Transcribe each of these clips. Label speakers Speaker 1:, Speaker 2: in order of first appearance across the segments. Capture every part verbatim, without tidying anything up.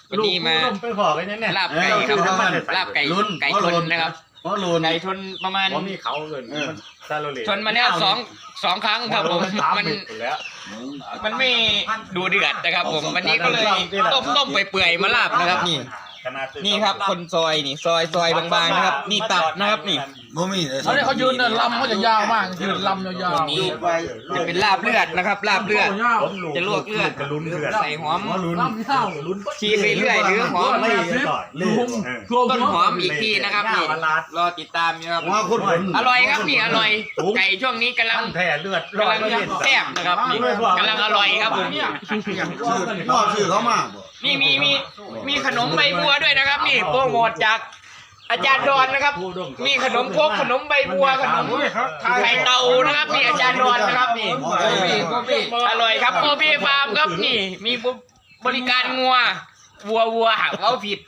Speaker 1: วันนี้มา
Speaker 2: ไปขอกันเนี่ย
Speaker 1: ลาบไก่ครับลาบไก่ไก่ชนนะครับ
Speaker 3: เพราะรูน
Speaker 1: ไก่ชนประมาณ
Speaker 2: ผมมีเขาเกินซาโลเล
Speaker 1: ชนมาแล้วสองสองครั้งครับผมมันมันไม่ดูเดือดนะครับผมวันนี้ก็เลยต้มต้มไปเปื่อยมาลาบนะครับนี่นี่ครับคนซอยนี่ซอยซอยบางๆนะครับนี่ตับนะครับนี่
Speaker 3: บ่มีเลย
Speaker 4: เขาเนี่ยเขายืนเนี่ยลำเขาจะยาวมากยืนลำยาว
Speaker 1: ตรงนี้จะเป็นลาบเลือดนะครับลาบเลือดจะลวกเลือด
Speaker 2: ลุ้นเลือด
Speaker 1: ใส่หอม
Speaker 4: ลำยาวลุ้น
Speaker 1: ชีไปเรื่อยหรือหอม
Speaker 4: ลุง
Speaker 1: ต้นหอมอีกทีนะครับนี่รอติดตามนะครับ
Speaker 3: ว่าคน
Speaker 1: อร่อยครับนี่อร่อยไก่ช่วงนี้กำลัง
Speaker 2: แผ่เลือด
Speaker 1: กำลังแซ่บนะครับนี่กำลังอร่อยครับผม
Speaker 3: พ่อชื่อเขามาบ่
Speaker 1: นี่มีมีมีขนมใบบัวด้วยนะครับนี่โปรโมทจากอาจารย์ดอนนะครับมีขนมครกขนมใบบัวขนมไข่เต่านะครับนี่อาจารย์ดอนนะครับนี่อร่อยครับโอเบฟาร์มครับนี่มีบริการงัววัววัวหักเอาผิด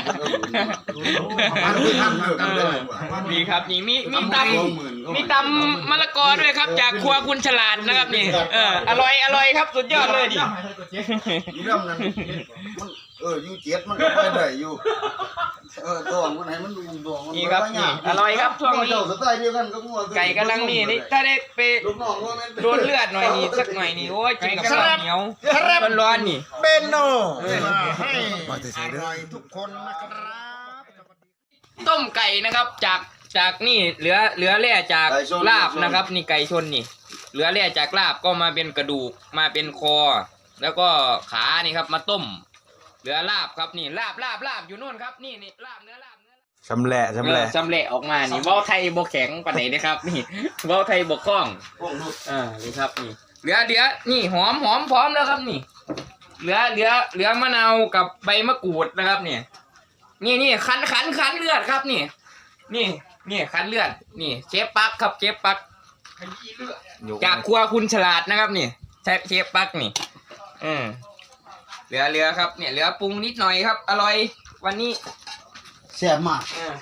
Speaker 1: นี่ครับนี่มีมีตำมีตำมะละกอด้วยครับจากครัวคุณฉลาดนะครับนี่เอออร่อยอร่อยครับสุดยอดเลยดิ
Speaker 3: อยู่นำนั้นมันเอออยู่เจ็ดมันก็ไปได้อยู่เออตัวมันไหนมันดูดวงมัน
Speaker 1: นี่ครับนี่อร่อยครับช่วงนี้
Speaker 3: เจ้าสไตล์เดียวกันก็งัว
Speaker 1: ไก่กำลังนี่นี่ถ้าได้ไป
Speaker 3: ลูกน้องว่าแม่น
Speaker 1: โดนเลือดหน่อยนี่สักหน่อยนี่โอ้ยกินกับข้าวเหนียวร้อนๆนี่
Speaker 3: เบนโนให้อร่อยทุกคนนะครับ
Speaker 1: ต้มไก่นะครับจากจากนี่เหลือเหลือแร่จากลาบนะครับ นี่ไก่ชนนี่ เหลือแร่จากลาบก็มาเป็นกระดูกมาเป็นคอ แล้วก็ขานี่ครับมาต้ม เหลือลาบครับนี่ลาบลาบลาบอยู่นู่นครับนี่นี่ลาบเนื้อลาบเนื้อ
Speaker 5: ชำแหละชำแหละ
Speaker 1: จำเละออกมานี่ว่าวไทยบกแข็งปานไหนนะครับ นี่ว่าวไทยบกคล่อง
Speaker 3: พวกลูก
Speaker 1: อ่านี่ครับนี่เหลือเหลือนี่หอมหอมพร้อมแล้วครับนี่ เหลือเหลือเหลือมะนาวกับใบมะกรูดนะครับเนี่ยนี่นี่คั้นคั้นคั้นเลือดครับนี่ นี่นี่คั้นเลือดนี่เชฟปักครับเชฟปักจากครัวคุณฉลาดนะครับนี่เชฟเชฟปักนี่อืมเหลือเหลือครับเนี่ยเหลือปรุงนิดหน่อยครับ อร่อยวันนี้
Speaker 3: แซ่บมาก
Speaker 1: อ่า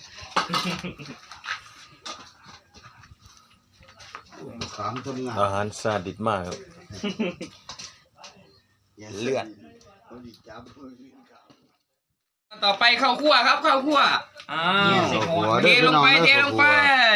Speaker 3: สามทำงาน
Speaker 5: อาหารซาดิสมากครับ เลือด
Speaker 1: ต่อไปข้าวคั่วครับข้าวคั่วอ้าวเทลงไปเทลงไป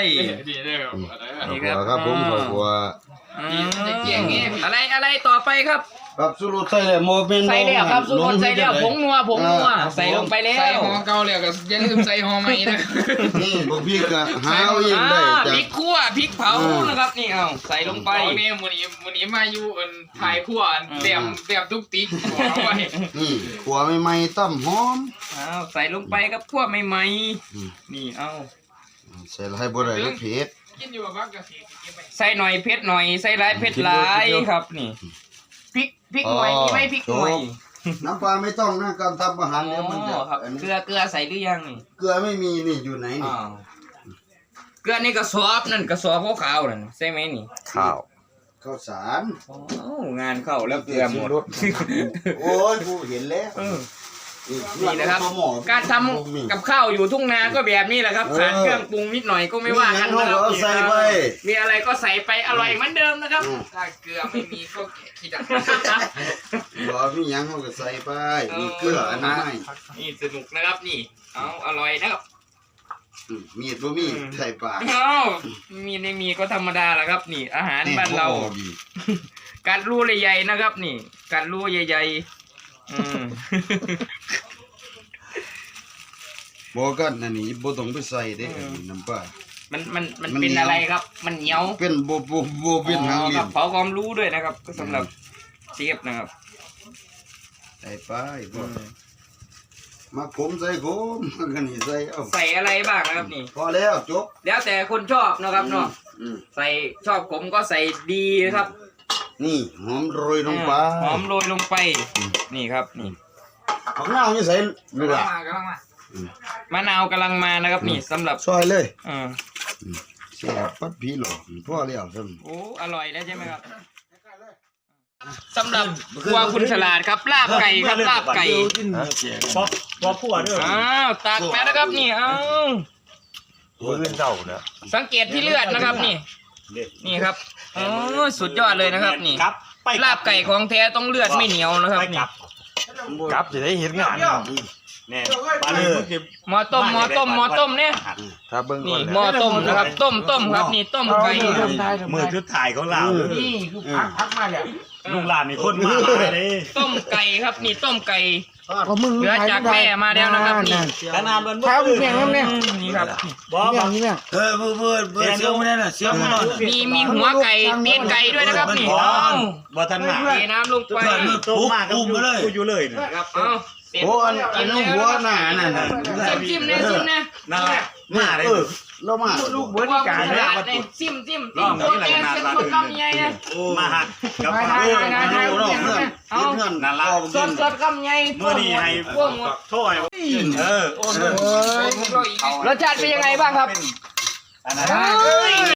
Speaker 3: นี่ครับผมขอบคุณ
Speaker 1: อืมอะไรอะไรต่อไปครับ
Speaker 3: ครับสุรุใส่เลยโมเมนต์
Speaker 1: ใส่แล้วครับสุกคนใส่แล้วผงนัวผงนัวใส่ลงไปแล้ว
Speaker 4: ใส่หอเก่าแล้วก็อย่าลืมใส่หอใหม่นะ
Speaker 3: นี่พวกพี่ก็หาเอาเองได้
Speaker 1: อ่า
Speaker 3: จาก
Speaker 1: พริกคั่วพริกเผานะครับนี่เอาใส่ลงไป
Speaker 4: ตอนนี้วันนี้วันนี้มาอยู่อันถ่ายขั้วเตรียมเตรียมทุกติ๊กเอาไว้
Speaker 3: นี่ขัวใหม่ๆตั้มหอม
Speaker 1: เอาใส่ลงไปครับคั่วใหม่ๆนี่เอา
Speaker 3: ใส่ให้บ่ได้แล้วเผ็ด
Speaker 4: กินอยู่กับพักกะทิกินไป
Speaker 1: ใส่หน่อยเผ็ดหน่อยใส่หลายเผ็ดหลายครับนี่พริกพริกหน่อยมีไหมพริกหน่อย
Speaker 3: น้ำปลาไม่ต้องนะการทำอาหารเนี่ยมันจะ
Speaker 1: อ๋อครับเกลือเกลือใส่หรือยังนี่
Speaker 3: เกลือไม่มีนี่อยู่ไหนนี่
Speaker 1: อ้าวเกลือนี่กระสอบนั่นกระสอบขาวๆนั่นใช่ไหมนี่
Speaker 5: ข้าว
Speaker 3: ข้าวสาร
Speaker 1: โอ้งานเข้าแล้วเกลือหมด
Speaker 3: โอ้ยกูเห็นแล้ว
Speaker 1: เออนี่นะครับ
Speaker 3: หมอ
Speaker 1: การทำกับข้าวอยู่ทุ่งนาก็แบบนี้แหละครับขาดเครื่องปรุงนิดหน่อยก็ไม่ว่ากันนะครั
Speaker 3: เอาใส่ไป
Speaker 1: มีอะไรก็ใส่ไปอร่อยเหมือนเดิมนะครับถ้าเกลือไม่มีก็คิดอ่ะ
Speaker 3: บ่มีหยังเขาก็ใส่ไปมีเกลืออันนั้นไม่
Speaker 1: นี่สนุกนะครับนี่เอาอร่อยนะครับ
Speaker 3: อืมมีดบ่มีใส่ปาก
Speaker 1: เอามีไม่มีก็ธรรมดาแหละครับ นี่ อาหารบ้านเรา
Speaker 3: โอ้ดี
Speaker 1: การรูใหญ่ๆนะครับ นี่ การรูใหญ่ๆอืม
Speaker 3: บ่กันอันนี้บ่ต้องไปใส่เด้อันนี้น้ำปลา
Speaker 1: มันมันมัน
Speaker 3: มัน
Speaker 1: เป็น
Speaker 3: เหนียว
Speaker 1: อะไรครับ มันเหนียว
Speaker 3: เป็นบ่บ่บ่เป็นหาง
Speaker 1: อ๋อ
Speaker 3: เหลี่
Speaker 1: ค
Speaker 3: ย
Speaker 1: รับ
Speaker 3: ม
Speaker 1: เผาความรู้ด้วยนะครับ ก็สำหรับเชฟนะครับ
Speaker 3: ใส่ไปบ่มาผมใส่ผมมันก็นี่ใส่เอา
Speaker 1: ใส่อะไรบ้างนะครับนี่
Speaker 3: พอแล้วจบ
Speaker 1: แล้วแต่คนชอบนะครับเนาะ
Speaker 3: อืม
Speaker 1: ใส่ชอบผมก็ใส่ดีนะครับ
Speaker 3: นี่หอมโรยลงไป
Speaker 1: หอมโรยลงไป นี่ครับนี่
Speaker 3: ผักนาวนี่ใส่เวลา
Speaker 4: มากำลังมาม
Speaker 1: ะนาวกำลังมานะครับ นี่สำหรับ
Speaker 3: ซอยเลย
Speaker 1: เออ
Speaker 3: แซ่บปัดผีหลอกพอแล้วซั่น
Speaker 1: โอ้อร่อยแล้วใช่ไหมครับสำหรับครัวคุณฉลาดครับลาบไก่ครับลาบไก่
Speaker 2: พอพอผัวด้วย
Speaker 1: อ้าวตักแล้วนะครับนี่อ้าว
Speaker 5: มือเจ้าเนี่ย
Speaker 1: สังเกตที่เลือดนะครับนี่ นี่ครับโอ้สุดยอดเลยนะครับนี่
Speaker 2: ครับไป
Speaker 1: ลาบไก่ของแท้ต้องเลือดไม่เหนียวนะครับ
Speaker 2: ไป
Speaker 1: นี่
Speaker 2: กลับ
Speaker 5: กลับจะได้เห็นงาน
Speaker 2: เนี่ยปลาเลยมึงจะ
Speaker 1: หม้อต้มหม้อต้มหม้อต้มเนี่ย
Speaker 5: ถ้าเบิ่งก่
Speaker 1: นี่
Speaker 5: อน
Speaker 1: หม้อต้มนะครับต้มต้มครับนี่ต้มไก่
Speaker 2: มือชุดถ่ายของเรา
Speaker 1: นี่คือพักพักมาเนี่ย
Speaker 2: ลูกหลานนี่คนมาหลายเลย
Speaker 1: ต้มไก่ครับนี่ต้มไก่เหลือจากแม่มาแล้วนะครับนี่
Speaker 2: ขนาดมัน
Speaker 6: เท้าเพียงนั้นเนี่ย
Speaker 1: นี่ครับ
Speaker 2: บอ
Speaker 6: เนี่
Speaker 2: บ
Speaker 6: ยนี่เนี่ย
Speaker 3: เออเบื่อเบื่อเบื่อเสียงไม่ได้น่ะเสียงมันนอน
Speaker 1: มีมีหัวไก่ตีนไก่ด้วยนะครับนี่เอา
Speaker 2: บอทันมา
Speaker 1: เทน้ำลงไป
Speaker 2: ต้มมากกูอยู่เลย
Speaker 1: ครับเอาเสร็จ
Speaker 3: โอ้อันอันนู้นหัวหน้านั่นน่ะ
Speaker 1: จิ้มจิ้มเนี่ยจิ้มเนี่ย
Speaker 2: นั่นแหละมาเลย
Speaker 3: เออเรามา
Speaker 1: ลูกเบิร์ดการเนี่ยจิ้มจิ้มจิ้มตัวแกงเส้นคนกำใหญ่เนี่ย
Speaker 2: มาหักกับ
Speaker 1: ได้
Speaker 2: ปลา
Speaker 1: ได้ได้ได้เอา
Speaker 2: นั่นละ
Speaker 1: สดสดกำใหญ่
Speaker 2: เมื่อนี้ให้
Speaker 1: พวกหมด
Speaker 2: โทษเออโอ้
Speaker 1: รสชาติเป็นยังไงบ้างครับ
Speaker 2: อันนั้น
Speaker 1: เฮ้ย